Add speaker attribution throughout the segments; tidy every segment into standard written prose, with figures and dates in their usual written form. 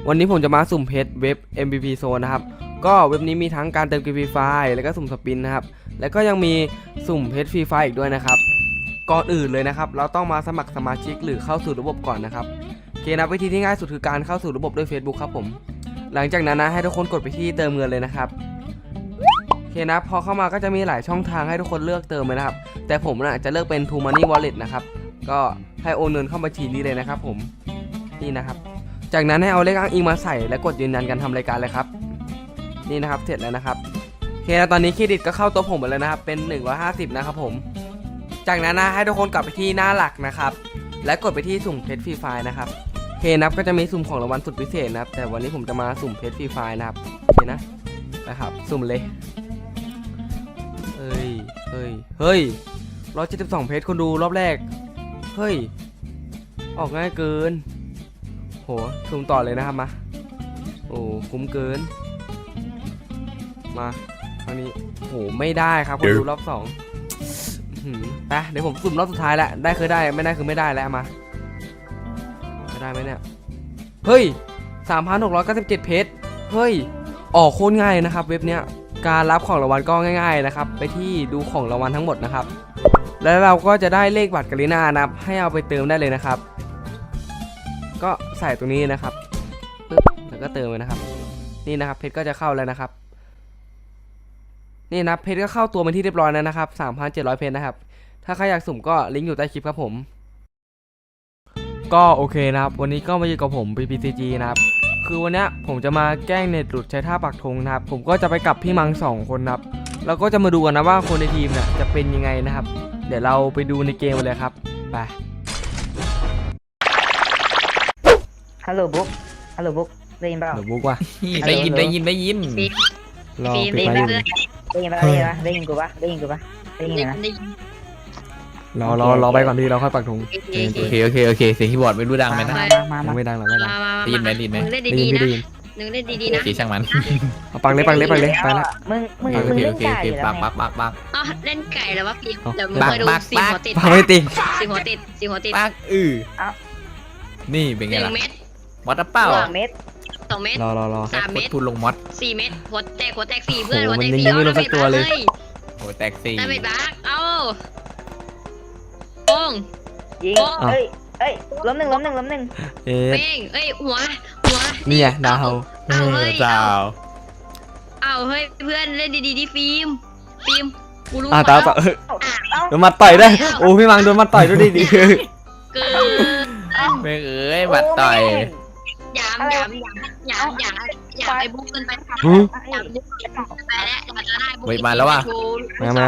Speaker 1: วันนี้ผมจะมาสุ่มเพชรเว็บ MVP Zone นะครับก็เว็บนี้มีทั้งการเติมเกมฟรีไฟล์แล้วก็สุ่มสปินนะครับแล้วก็ยังมีสุ่มเพชรฟรีไฟล์อีกด้วยนะครับก่อนอื่นเลยนะครับเราต้องมาสมัครสมาชิกหรือเข้าสู่ระบบก่อนนะครับโอเคนะวิธีที่ง่ายสุดคือการเข้าสู่ระบบด้วย Facebook ครับผมหลังจากนั้นนะให้ทุกคนกดไปที่เติมเงินเลยนะครับโอเคนะพอเข้ามาก็จะมีหลายช่องทางให้ทุกคนเลือกเติมเลยนะครับแต่ผมนะจะเลือกเป็น True Money Wallet นะครับก็ให้โอนเงินเข้าบัญชีนี้เลยนะครับผมนี่นะครับจากนั้นให้เอาเลขอ้างอิงมาใส่และกดยืนยันการทำรายการเลยครับนี่นะครับเสร็จแล้วนะครับโอเคนะตอนนี้เครดิตก็เข้าตัวผมหมดแล้วนะครับเป็น150นะครับผมจากนั้นนะให้ทุกคนกลับไปที่หน้าหลักนะครับและกดไปที่สุ่มเพชรฟรีไฟล์นะครับโอเคนะก็จะมีสุ่มของรางวัลสุดพิเศษนะครับแต่วันนี้ผมจะมาสุ่มเพชรฟรีไฟล์นะครับโอเคนะครับสุ่มเลยเฮ้ย172เพชรคนดูรอบแรกเฮ้ยออกง่ายเกินโหสุ่มต่อเลยนะครับมาโอ้คุ้มเกินมาครั้งนี้โหไม่ได้ครับคนดูรอบ2ไปเดี๋ยวผมสุ่มรอบสุดท้ายแล้วได้คือได้ไม่ได้คือไม่ได้แล้วมาจะได้ไหมเนี่ยเฮ้ย 3,697 เพชรเฮ้ยออกโคตรง่ายนะครับเว็บเนี้ยการรับของรางวัลก็ง่ายๆนะครับไปที่ดูของรางวัลทั้งหมดนะครับแล้วเราก็จะได้เลขบัตรกาลิน่านะครับให้เอาไปเติมได้เลยนะครับก็ใส่ตรงนี้นะครับปึ๊บแล้วก็เติมเลยนะครับนี่นะครับเพชรก็จะเข้าแล้วนะครับนี่นะเพชรก็เข้าตัวเป็นที่เรียบร้อยแล้วนะครับ 3,700 เพชรนะครับถ้าใครอยากสุ่มก็ลิงก์อยู่ใต้คลิปครับผมก็โอเคนะครับวันนี้ก็มาอยู่กับผม PPCG นะครับคือวันนี้ผมจะมาแกล้งเน็ตหลุดใช้ท่าปักธงนะครับผมก็จะไปกับพี่มัง2คนนะครับแล้วก็จะมาดูกันนะว่าคนในทีมเนี่ยจะเป็นยังไงนะครับเดี๋ยวเราไปดูในเกมเลยครับไป
Speaker 2: ฮัลโหลบุ๊กได้ยินเปล่า
Speaker 1: เดี๋ยวบุ๊กว่ะ
Speaker 3: ได้ยินรอ
Speaker 2: ได้ยิน
Speaker 3: ปิด
Speaker 2: เป
Speaker 3: ไฟ
Speaker 2: ล่า
Speaker 3: อยู่
Speaker 2: ได้ยินกูปะได้ยินนะ
Speaker 1: รอไปก่อนที่เราค่อยปักธง
Speaker 3: โอเคเสียงคีย์บอร์ดไม่รู้ดังไหมนะ
Speaker 1: ยังไม่ดังหรอกไม่ดัง
Speaker 3: ได้ยินไหม
Speaker 1: ได้ยิน
Speaker 3: ได้
Speaker 1: พี่
Speaker 3: ยิน
Speaker 1: ได้ยิน
Speaker 4: หนึ่งเล่นดีๆ
Speaker 3: โอ
Speaker 4: นะ
Speaker 3: เคช่างมัน
Speaker 1: เอาปักเลยไปแล้ว
Speaker 2: มึง
Speaker 3: โอเค
Speaker 2: เล่
Speaker 3: โอน เค
Speaker 2: ไก่อยู่แล้ว
Speaker 3: ปัก
Speaker 4: อ๋อเล่นไก่แล้ววะพี่
Speaker 1: เอา
Speaker 4: เดี๋ยวมึงคอยดูสี่หัวติด
Speaker 1: ปักไม่ติด
Speaker 4: สี่หัวติด
Speaker 3: ปักนี่เป็นไงล่ะ
Speaker 4: 1 เม็ด
Speaker 3: มอสเป้า
Speaker 2: 2 เม็ด
Speaker 4: 2 เม็ด
Speaker 1: รอ
Speaker 4: 3 เม็ด
Speaker 3: พูดลงมอส
Speaker 4: 4 เม็ดหัวแตก4เพื่อน
Speaker 1: โอ้
Speaker 4: หัว
Speaker 1: โห
Speaker 4: แตก
Speaker 1: มัน
Speaker 4: 4
Speaker 1: ยังไม่ลงสักตัวเลย
Speaker 3: โอ้แตกสี่
Speaker 4: ได้ไม่บักเอ้าโป้ง
Speaker 2: ยิงเอ้ยล้มหนึ่ง
Speaker 1: เอ๊ะ
Speaker 4: เป้งเอ้ยหัว
Speaker 1: นี่ไงดาว
Speaker 4: เอาเฮ้ย
Speaker 3: เจ้า
Speaker 4: เอาเฮ้ยเพื่อนเล่นดีๆดิฟิล์มกูรู้
Speaker 1: ต่อโดนมาต่อยได้โอ้พี่มังโดนมาต่อยด้วยดิ
Speaker 4: เกิน
Speaker 3: ไม่บัดต่อย
Speaker 4: อย่าไอ้บุ๊กเกินไปอย่าบุ๊กเกินไปแล้วอย่าจะได้บุ๊ก
Speaker 1: มาแล้วว่ะ
Speaker 3: เอ๊ะ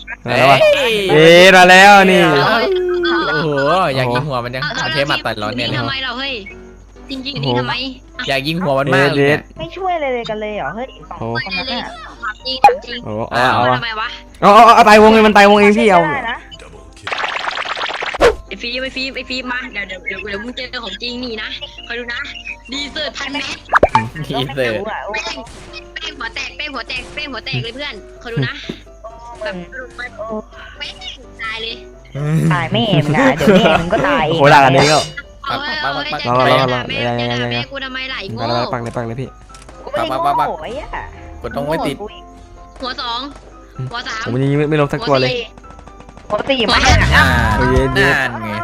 Speaker 1: มาแล้วนี่
Speaker 3: โอ้โหอยากยิงหัวมันยังเอาเทปมาต่อยร้อนเนี่ย
Speaker 4: ทำไมเราเฮ้ยจริงๆนี่ทำไม
Speaker 3: อยากยิงหัวมันมากเลย
Speaker 2: ไม่ช่วยเลยกันเลยเหรอเฮ้ย2 คนนั้นอ่ะ
Speaker 4: จริง
Speaker 1: โอ้
Speaker 4: เอาทำไมวะ
Speaker 1: เอาตายวงเองมันตายวงเองพี่เอา
Speaker 4: ไอ้ฟิล์มมาเดี๋ยวมึงเจอของจริงนี่นะคอยดูนะดีเซอร์1,000 เมตร
Speaker 3: ทีเซอร์
Speaker 4: เป้งหัวแตกเลยเพื่อนคอยดูนะแบบเป้งตายเลย
Speaker 2: ตายแม่มึงอ่ะเดี๋ยวแม่มึงก็ตายเอง
Speaker 1: โหด่ากันเองก็
Speaker 4: เอาเฮ้ยแม่กูทำไมไหลโง่
Speaker 1: ปักเลยพี่
Speaker 2: กูไม่ได้โง่ไอ้อ่ะ
Speaker 3: กดต้องไม่ติด
Speaker 4: หัว2หัว3
Speaker 1: ผมยังไม่ลงสักตัวเลย
Speaker 2: ปกติไม่
Speaker 1: โอ้ย
Speaker 3: นั่นไง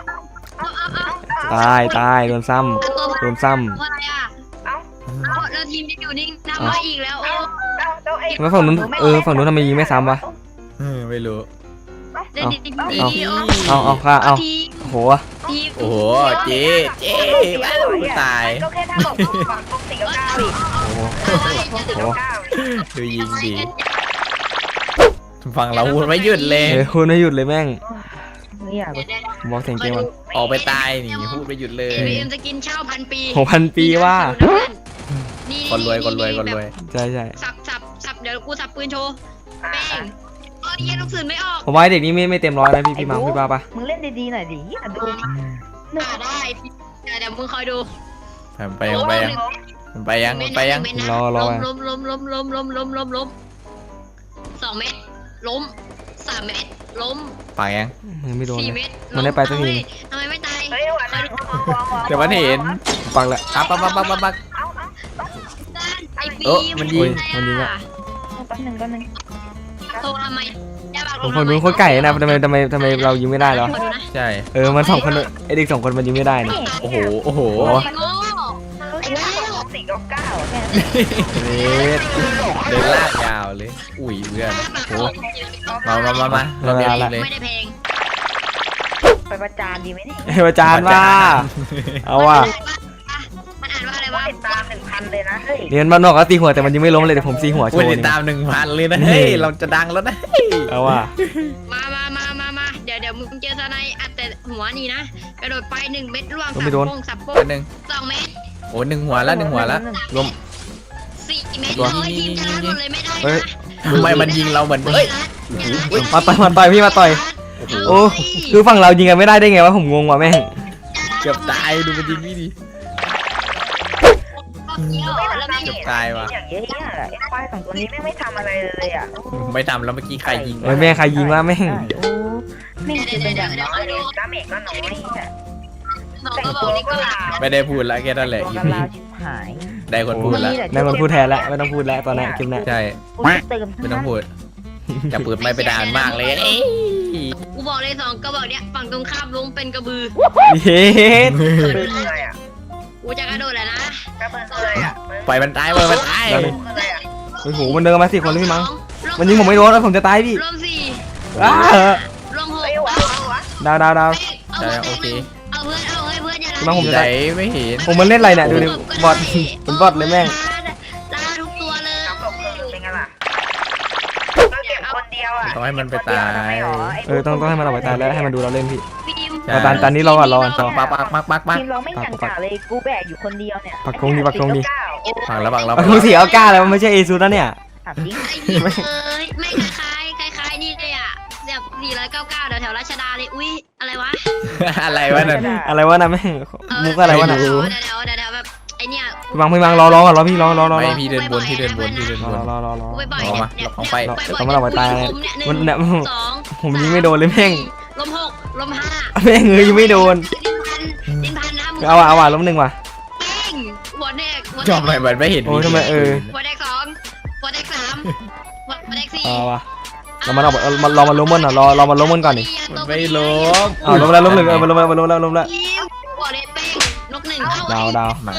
Speaker 1: ตายโดนซ้
Speaker 4: เพราะอะไรอ่ะเอาแล้วทีมจะอยู่นิ่งทำมาอีกแล้ว
Speaker 1: ำแล้วฝั่งนู้นทำไมยิงไม่ซ้ำวะ
Speaker 3: ไม่รู้
Speaker 4: เล่นดี
Speaker 1: เอาโห
Speaker 4: ทีม
Speaker 3: โอ้โหเจ๊ตาย
Speaker 2: ก็แค่ถ้าบอกปกติก็9อีก
Speaker 3: ดูยิงดีฟังเราพูดไม่หยุดเลย
Speaker 1: คุณไม่หยุดเลยแม่ง
Speaker 2: ไม่อยาก
Speaker 1: บอกเสียงเกมมัน
Speaker 3: ออกไปตายนี่พูดไม่หยุดเลย
Speaker 4: เอ็มจะกินข้าว1,000 ปี
Speaker 1: 6,000 ปีว่า
Speaker 3: คนรวย
Speaker 1: ใช่
Speaker 4: สับเดี๋ยวกูสับปืนโชว์แป้งเย็นลูกสื่นไม่ออก
Speaker 1: ผมว่าเด็กนี้ไม่เต็มร้อยนะพี่มังพี่ป้าปะ
Speaker 2: มึงเล่นดีๆหน่อยดิดู
Speaker 4: ได้เดี๋ยวมึงคอยดู
Speaker 3: ไปยัง
Speaker 1: รอ
Speaker 4: ล้ม2 เมตรล้ม3 เมตรล้ม
Speaker 3: ไปยัง
Speaker 1: ไม่โดน
Speaker 4: 4 เมตร
Speaker 1: มันได้ไปสักที
Speaker 4: ทำไมไม่ตาย
Speaker 3: เดี๋ยวมันเห็น
Speaker 1: ปักแล้ว
Speaker 3: ปักมันยิง
Speaker 1: มันยิงอะ
Speaker 2: แป๊บนึง
Speaker 4: โทรทำไมอย่าบัก
Speaker 1: ผมคนนู้นโคตรไก่นะทำไมเรายิงไม่ได้เหรอ
Speaker 4: ขอดูนะ
Speaker 3: ใช่
Speaker 1: มันสองคนไอเด็กสองคนมันยิงไม่ได้นะ
Speaker 3: โอ้โหโอ้โห
Speaker 1: โอ้
Speaker 4: ไอ้โง่
Speaker 2: ไอ้ว่า499แค่
Speaker 1: เรด
Speaker 3: เดินลากยาวเลยอุ้ยเพื่อนโอ้มาเราเรียนเลย
Speaker 4: ไม่ได้เพลง
Speaker 2: ไปประจานดีไหมนี่
Speaker 1: อาจารย์ว่าเอาว่ะ
Speaker 4: มันอ่านว่าอะไร
Speaker 2: ว่าว
Speaker 4: ะ
Speaker 2: ติดตาม 1,000 เลยนะเฮ้ย
Speaker 1: เรียนบ้านนอกก็ตีหัวแต่มันยิงไม่ล้มเลยเดี๋ยวผมตีหัวโช
Speaker 3: คุณ
Speaker 1: ว์
Speaker 3: ติด
Speaker 1: นี่
Speaker 3: ตาม 1,000 เลยนะเฮ้ยเราจะดังแล้วนะ
Speaker 1: เอาว่ะ
Speaker 4: มาเดี๋ยวมึงเจอสไนอัดแต่หัวนี่นะกระโดดไป1 เม็ดร่วงสับโป้ง
Speaker 3: อันหนึ่ง
Speaker 4: 2 เม็ด
Speaker 3: โอ้1 หัวแล้ว1 หัวแล้ว
Speaker 1: ล้ม
Speaker 4: 4 เม็ดเลยทีมชนะหมดเลยไม่ได้
Speaker 1: เฮ้ย
Speaker 3: ทำไมมันยิงเราเหมือนเฮ้ย
Speaker 1: มาต่อยพี่มาต่อยโอ้คือฝั่งเรายิงกันไม่ได้ได้ไงวะผมงงว่ะแม่ง
Speaker 3: เกือบตายดูมันยิงนี่ดิ
Speaker 2: อย่างเงี้ยไอ้ควาย2ตัวนี้ไม่ทำอะไรเลยอ่ะ
Speaker 3: ไม่ทำแล้วเมื่อกี้ใครยิง
Speaker 1: แม่ใครยิงวะแม่ง
Speaker 2: โอ้ไม่คือเป็นอย่างน้อยเลยดาเมจก็น้อยอ่ะ
Speaker 4: 2 ก็บอกนี่ก็
Speaker 3: ไม่ได้พูดแล้วแค่นั้นแหละ
Speaker 2: ตัว
Speaker 3: อี
Speaker 2: กัน
Speaker 3: พี
Speaker 2: ลาวชิบหาย
Speaker 3: ได้คนพูดแล้ว
Speaker 1: ได้คนพูดแทนแล้วไม่ต้องพูดแล้วตอนนี้คลิปนี้
Speaker 3: ใช่
Speaker 2: เติม
Speaker 3: ไม่ต้องพูดจะเปิดไม่ไปด่านมากเลยเอ้ย
Speaker 4: กูบอกเลย2 ก็บอกเนี่ยฝั่งตรงข้ามล้มเป็นกระบือ
Speaker 1: เฮ็ด
Speaker 2: ปืนอะไรอ่ะ
Speaker 4: กูจะกระโดดแล้วนะ
Speaker 2: กระปืนอะไรอ่ะ
Speaker 3: ปล่อยมันตายปล่อยมันตาย
Speaker 2: อะไรอ่ะ
Speaker 1: โอ้โหมันเดินมา4 คนเลยพี่มั้งมันยิงผมไม่โดนแล้วผมจะตายพี่
Speaker 4: รวม4
Speaker 1: อ้าร
Speaker 4: วม6
Speaker 2: ไอ้วะ
Speaker 1: ดาว
Speaker 4: เอาเพื่อนเอาเพื่อนอย่า
Speaker 1: พี่มั้งผมจะ
Speaker 3: ไหน
Speaker 1: ตาย
Speaker 3: ไม่เห็น
Speaker 1: ผมมันเล่นอะไรเนี่ยดูดิบอทเป็นบอทเลยแม่ง
Speaker 4: ลาทุกตัวเลย
Speaker 2: น้ำตกเป็นไงล่ะเราเก็บคนเดียวอ่ะ
Speaker 3: ต้องให้มันไปตาย
Speaker 1: ต้องให้มันออกไปตายแล้วให้มันดูเราเล่นพี่
Speaker 4: ฟิล์ม
Speaker 1: แต่ตอนนี้เรารอก่อน
Speaker 3: ปัก
Speaker 2: ทีมเราไม่กันกะเลยกูแบกอยู่คนเดียวเนี่ย
Speaker 1: ปักธงดิ
Speaker 3: ปักแล้ว
Speaker 1: ปักธงสีเอาก้าแล้วมันไม่ใช่เอซูนะเนี่ย
Speaker 2: ถามจริง
Speaker 4: ไอ้เหี้ยเอ้ยไม่คล้ายนี่เลยอ่ะแบบ499แถวราชดาเลยอุ้ยอะไรวะ
Speaker 3: อะไรวะนั่น
Speaker 1: อะไรวะนะแม่งมุกอะไรวะนะ
Speaker 3: ไม่รู้
Speaker 4: เดี๋ยวแบบไอเนี่ย
Speaker 1: พี่มังรอก่อนรอพี่รอ
Speaker 3: ไม่พี่เดินบน
Speaker 4: ร กูไปบ่อย
Speaker 3: เอามา
Speaker 4: เนี่ย
Speaker 3: เราของไป
Speaker 1: ต้องมาเราไปตาย
Speaker 4: มัน
Speaker 1: เนี่ย
Speaker 4: 2
Speaker 1: ผมยิงไม่โดนเลยแม่ง
Speaker 4: ลม6 ลม 5
Speaker 1: แม่งยิงไม่โดน
Speaker 4: ดินพันนะ
Speaker 1: เอาว่ะล้ม1ว่ะ
Speaker 4: เป้งหัวแดก
Speaker 3: จอมมันไม่เห็น
Speaker 1: โอ้ทำไม
Speaker 4: หัวแดก2หัวแดก3หัวแดก4
Speaker 1: เอาว่ะเรามาล้มมันอ่ะรอมาล้มมันก่อนดิ
Speaker 3: ไม่ล้ม
Speaker 1: ล้มแล้วล้ม1มันล้มแล้วล้มแล้ว
Speaker 4: หัวแดกเป้งนก1เข้า
Speaker 1: ดาว
Speaker 3: มา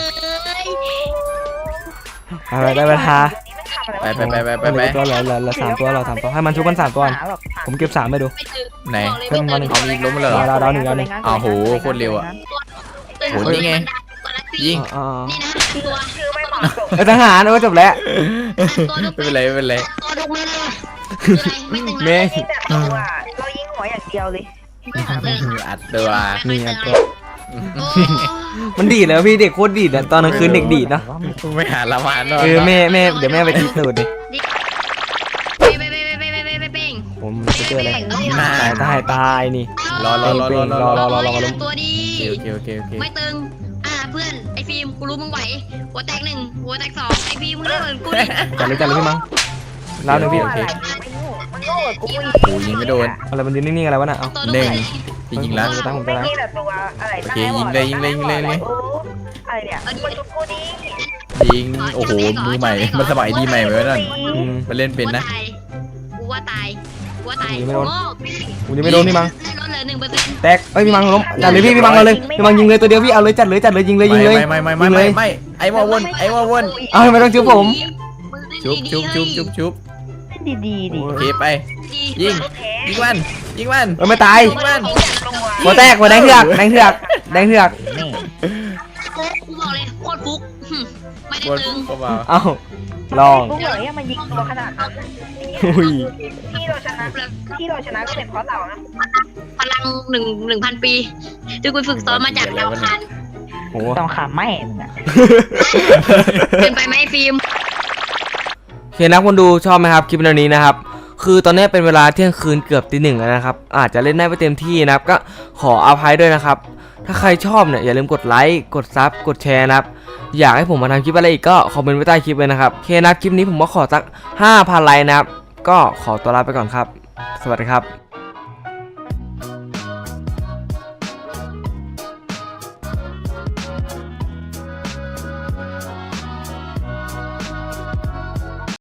Speaker 1: อะไรได้เวลา
Speaker 3: ไป
Speaker 1: ตัวเหลือ3 ตัวเรา3 ตัวให้มันชุบกัน3 ตัวผมเก็บ3ไปดู
Speaker 3: ไหน
Speaker 1: เพิ่มมาหนึ่ง
Speaker 3: เอาอีกล้มเลยเหรอ
Speaker 1: ดาวหนึ่ง
Speaker 3: อ้าวโหโคตรเร็วอะ โหนี่ไง ยิง
Speaker 4: นี่นะตัว
Speaker 2: ชื่อไม่เหมาะสม
Speaker 1: ทหารจบแล้ว
Speaker 3: ไม่เป็นไรไม่เป็นไร
Speaker 4: ตัวทุกเม็ดเลยคืออะไรไม่ตึง
Speaker 1: เม
Speaker 4: นะ
Speaker 1: ย์
Speaker 2: ยิงแต่ตัวเรายิงหัวอย่างเดียวเลย
Speaker 3: อัดตัว
Speaker 1: นี่ไงตัว
Speaker 4: โอ้
Speaker 1: มันดีดแล้วพี่เด็กโคตรดีดอ่ะตอนกลางคืนเด็กดีดนะ
Speaker 3: ไม่หาละมานหรอ
Speaker 1: แม่เดี๋ยวแม่ไปทีสูดดิ
Speaker 4: เป้ง
Speaker 1: ผมจะเจออะไรตายนี่
Speaker 3: รอ
Speaker 4: ตัวดี
Speaker 3: โอเค
Speaker 4: ไม่ตึงเพื่อนไอฟิล์มกูรู้มึงไหวหัวแตก1หัวแตก2ไอฟิล์มมึงเล่นเหมือนกูดิ
Speaker 1: จัดเลยพี่มั้งแล้วหนึ่งพี่
Speaker 2: มันโง่กับกูอีก
Speaker 3: โอ้ยิงไม่โดน
Speaker 1: อะไรมันยืนนิ่งๆอะไรวะน่ะเอา
Speaker 4: ตัว
Speaker 3: หนึ่ง ยิงแล้ว
Speaker 1: ตั้งผม
Speaker 2: ไม่
Speaker 1: จะ
Speaker 2: นี่แหละตัวอะไร
Speaker 3: โอเคยิงเลย
Speaker 2: อะไรเนี่ยมันชุบกูดี
Speaker 3: ยิงโอ้โหมือใหม่มันสมัยดีใหม่ไหมนั่นมันเล่นเป็นนะ
Speaker 4: กูว่าตาย
Speaker 1: ผมยังไม่โดนพี่มั้ง
Speaker 4: ลดเหลือ1%
Speaker 1: แตกเอ้ยพี่มังล้มจัดเลยพี่มังเอาเลยพี่มังยิงเลยตัวเดียวพี่เอาเลยจัดเลยยิงเลย
Speaker 3: ไม่ไอ้วอวน
Speaker 1: เอาไม่ต้องจุ๊บผม
Speaker 3: ชุบ
Speaker 2: ดีดิ
Speaker 3: โอเคไปยิงมัน
Speaker 1: ไม่ตาย
Speaker 3: ยิงมัน
Speaker 1: หัวแตกหัวแดงเถือก
Speaker 2: นี่
Speaker 4: กูบอกเลยโคตรฟุกไม่ได้
Speaker 3: บน
Speaker 4: ตึง
Speaker 3: เบา
Speaker 1: เอ้าลอง
Speaker 2: กูเหนื่อยมันยิงตัวขนาดนั้น
Speaker 1: อุ้ย
Speaker 2: ที่เราชนะก็เป็นเพราะเรานะ
Speaker 4: พลัง1,000 ปีที่กูฝึกซ้อมมาจากดาวคัน
Speaker 1: โห
Speaker 2: ต้องขาแม่มึงอ่ะ
Speaker 4: เป็นไปไหมฟิล์ม
Speaker 1: โอเคนะคนดูชอบไหมครับคลิปนี้นะครับคือตอนนี้เป็นเวลาเที่ยงคืนเกือบตี 1แล้วนะครับอาจจะเล่นได้ไม่เต็มที่นะครับก็ขออภัยด้วยนะครับถ้าใครชอบเนี่ยอย่าลืมกดไลค์กดซับกดแชร์นะครับอยากให้ผมมาทำคลิปอะไรอีกก็คอมเมนต์ไว้ใต้คลิปเลยนะครับโอเคนะคลิปนี้ผมก็ขอสัก 5,000 ไลค์นะครับก็ขอตัวลาไปก่อนครับสวัสดีครับ